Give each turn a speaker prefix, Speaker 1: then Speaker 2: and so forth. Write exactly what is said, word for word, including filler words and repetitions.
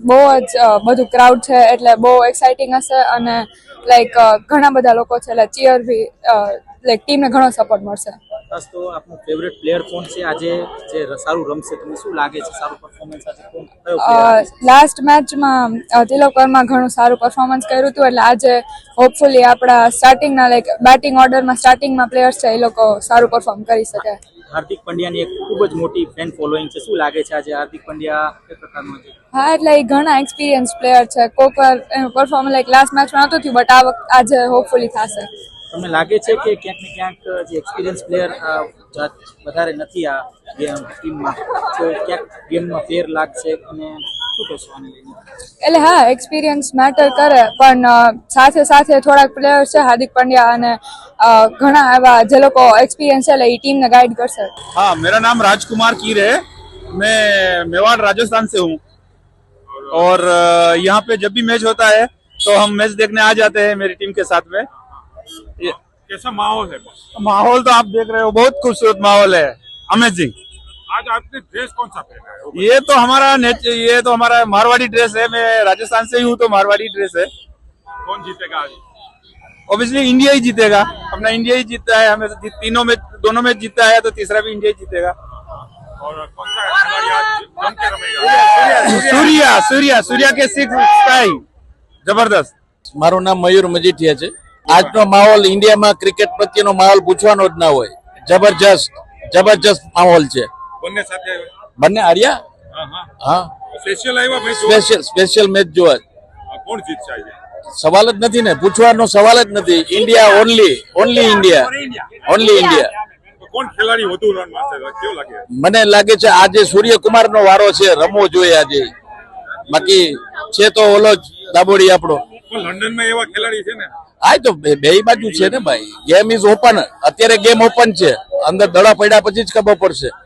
Speaker 1: બહુ જ બધું ક્રાઉડ છે એટલે બહુ એક્સાઇટિંગ હશે અને લાઈક ઘણા બધા લોકો છે એટલે ચીયર બી લાઈક ટીમને ઘણો સપોર્ટ મળશે.
Speaker 2: ખાસ તો આપનો ફેવરેટ પ્લેયર કોણ છે આજે જે સારું રમશે? તમને શું લાગે છે સારું પરફોર્મન્સ આજે કોણ કયો પ્લેયર?
Speaker 1: લાસ્ટ મેચમાં તિલક વર્મા ઘણું સારું પરફોર્મન્સ કર્યું હતું એટલે આજે હોપફુલી આપણા સ્ટાર્ટિંગના લાઈક બેટિંગ ઓર્ડરમાં સ્ટાર્ટિંગમાં પ્લેયર્સ છે એ લોકો સારું પરફોર્મ કરી શકે.
Speaker 2: હાર્દિક પંડ્યાની એક ખૂબ જ મોટી ફેન ફોલોઈંગ છે, શું લાગે છે આજે હાર્દિક પંડ્યા કઈ પ્રકારનો છે?
Speaker 1: હા એટલે એ ઘણા એક્સપિરિયન્સ પ્લેયર છે. કોક વાર એનું પરફોર્મન્સ લાઈક લાસ્ટ મેચમાં નહોતું થયું બટ આ વખતે આજે હોપફુલી થશે.
Speaker 2: તમને લાગે છે કે ક્યાંક ને ક્યાંક જે એક્સપિરિયન્સ પ્લેયર વધારે નથી આ ગેમ ટીમમાં તો ક્યાંક ગેમમાં ફેર લાગશે અને શું કહેશો આને લઈને?
Speaker 1: એટલે હા એક્સપિરિયન્સ મેટર કરે પણ સાથે સાથે થોડાક પ્લેયર્સ છે હાર્દિક પંડ્યા અને ઘણા એવા જે લોકો एक्सपीरियंस है ये टीम ने गाइड कर सकते.
Speaker 3: हाँ, मेरा नाम राजकुमार कीर है. मैं मेवाड़ राजस्थान से हूँ और यहाँ पे जब भी मैच होता है तो हम मैच देखने आ जाते हैं मेरी टीम के साथ में.
Speaker 4: कैसा माहौल है?
Speaker 3: माहौल तो आप देख रहे हो, बहुत खूबसूरत माहौल है, अमेजिंग.
Speaker 4: आज आपने ड्रेस कौन सा पहना है?
Speaker 3: ये तो हमारा ये तो हमारा मारवाड़ी ड्रेस है. मैं राजस्थान से ही हूँ तो मारवाड़ी ड्रेस है.
Speaker 4: कौन जीतेगा आज?
Speaker 3: ऑब्वियसली इंडिया ही जीतेगा. अपना इंडिया ही जीतता है. हमें तीनों में दोनों मैच जीतता है तो तीसरा भी इंडिया ही जीतेगा.
Speaker 4: और कौन सा खिलाड़ी आज जम के रमेगा?
Speaker 3: सूर्या सूर्या सूर्या के सिक्स स्काई जबरदस्त.
Speaker 5: મારું નામ મયુર મજીઠિયા છે. આજનો માહોલ ઇન્ડિયામાં ક્રિકેટ પ્રત્યેનો માહોલ પૂછવાનો જ ના હોય. જબરજસ્ત જબરજસ્ત માહોલ છે.
Speaker 4: બંને સાથે
Speaker 5: બંને હાર્યા.
Speaker 4: હા હા
Speaker 5: હા,
Speaker 4: સ્પેશિયલ આવ્યા ભાઈ.
Speaker 5: સ્પેશિયલ સ્પેશિયલ મેચ જોવા.
Speaker 4: કોણ જીતશે આજે?
Speaker 5: સવાલ જ નથી ને, પૂછવાનો સવાલ જ નથી. India only only India only India.
Speaker 4: કોણ ખેલાડી વધુ રન મારશે કેવું લાગે?
Speaker 5: મને લાગે છે આજે સૂર્યકુમાર નો વારો છે, રમવો જોઈએ આજે. બાકી છે તો ઓલો જ દાબોડી આપણો.
Speaker 4: લંડન માં એવા ખેલાડી છે ને.
Speaker 5: હા તો બે બાજુ છે ને ભાઈ. Game is open. અત્યારે ગેમ ઓપન છે, અંદર દડા પડ્યા પછી જ ખબર પડશે.